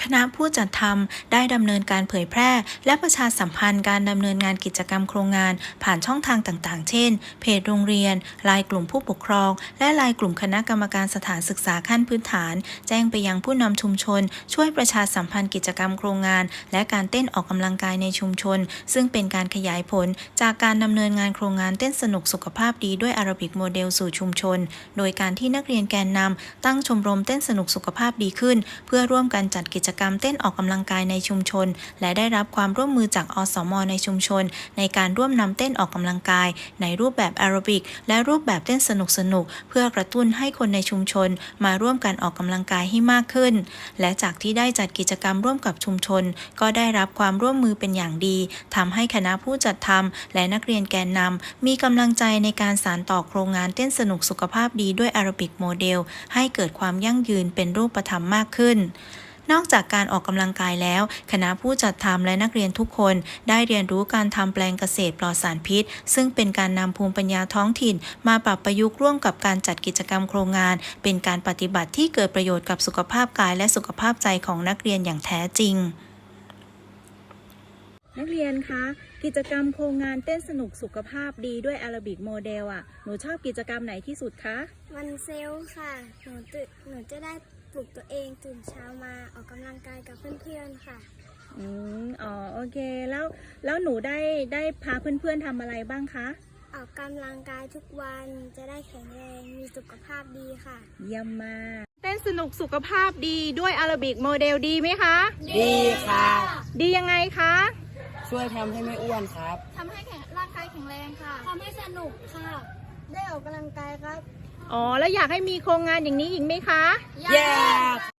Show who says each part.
Speaker 1: คณะผู้จัดทำได้ดำเนินการเผยแพร่และประชาสัมพันธ์การดำเนินงานกิจกรรมโครงงานผ่านช่องทางต่างๆ เช่น เพจโรงเรียน ไลน์กลุ่มผู้ปกครอง และไลน์กลุ่มคณะกรรมการสถานศึกษาขั้นพื้นฐาน แจ้งไปยังผู้นำชุมชน ช่วยประชาสัมพันธ์กิจกรรมโครงงาน และการเต้นออกกำลังกายในชุมชน ซึ่งเป็นการขยายผลจากการดำเนินงานโครงงานเต้นสนุกสุขภาพดีด้วยอาราบิกโมเดลสู่ชุมชน โดยการที่นักเรียนแกนนำตั้งชมรมเต้นสนุกสุขภาพดีขึ้น เพื่อร่วมกันจัดกิจกรรมเต้นออกกำลังกายในชุมชนและได้รับความร่วมมือจากอสม.ในชุมชนในการร่วมนำเต้นออกกำลังกายในรูปแบบแอโรบิกและรูปแบบเต้นสนุกเพื่อกระตุ้นให้คนในชุมชนมาร่วมกันออกกำลังกายให้มากขึ้นและจากที่ได้จัดกิจกรรมร่วมกับชุมชนก็ได้รับความร่วมมือเป็นอย่างดีทำให้คณะผู้จัดทำและนักเรียนแกนนำมีกำลังใจในการสานต่อโครงงานเต้นสนุกสุขภาพดีด้วยแอโรบิกโมเดลให้เกิดความยั่งยืนเป็นรูปธรรมมากขึ้นนอกจากการออกกำลังกายแล้วคณะผู้จัดทำและนักเรียนทุกคนได้เรียนรู้การทำแปลงเกษตรปลอดสารพิษซึ่งเป็นการนำภูมิปัญญาท้องถิ่นมาปรับประยุกต์ร่วมกับการจัดกิจกรรมโครงงานเป็นการปฏิบัติที่เกิดประโยชน์กับสุขภาพกายและสุขภาพใจของนักเรียนอย่างแท้จริงนักเรียนคะกิจกรรมโครงงานเต้นสนุกสุขภาพดีด้วยแอโรบิกโมเดลหนูชอบกิจกรรมไหนที่สุดคะ
Speaker 2: วันเซลล์ค่ะหนูจะได้ปลุกตัวเองตื่นเช้ามาออกกำลังกายกับเพื่อนๆค่ะ
Speaker 1: โอเคแล้วหนูได้พาเพื่อนๆทำอะไรบ้างคะ
Speaker 2: ออกกำลังกายทุกวันจะได้แข็งแรงมีสุขภาพดีค่ะ
Speaker 1: เยี่ยมมากเต้นสนุกสุขภาพดีด้วยแอโรบิกโมเดลดีไหมคะ
Speaker 3: ดีค่ะ
Speaker 1: ดียังไงคะ
Speaker 3: ช่วยทำให้ไม่อ้วนครับ
Speaker 2: ทำให้ร่างกายแข็งแรงค่ะทำให้สนุกค่ะได้ออกกำลังกายครับ
Speaker 1: แล้วอยากให้มีโครงงานอย่างนี้อีกไหมคะ
Speaker 3: อยาก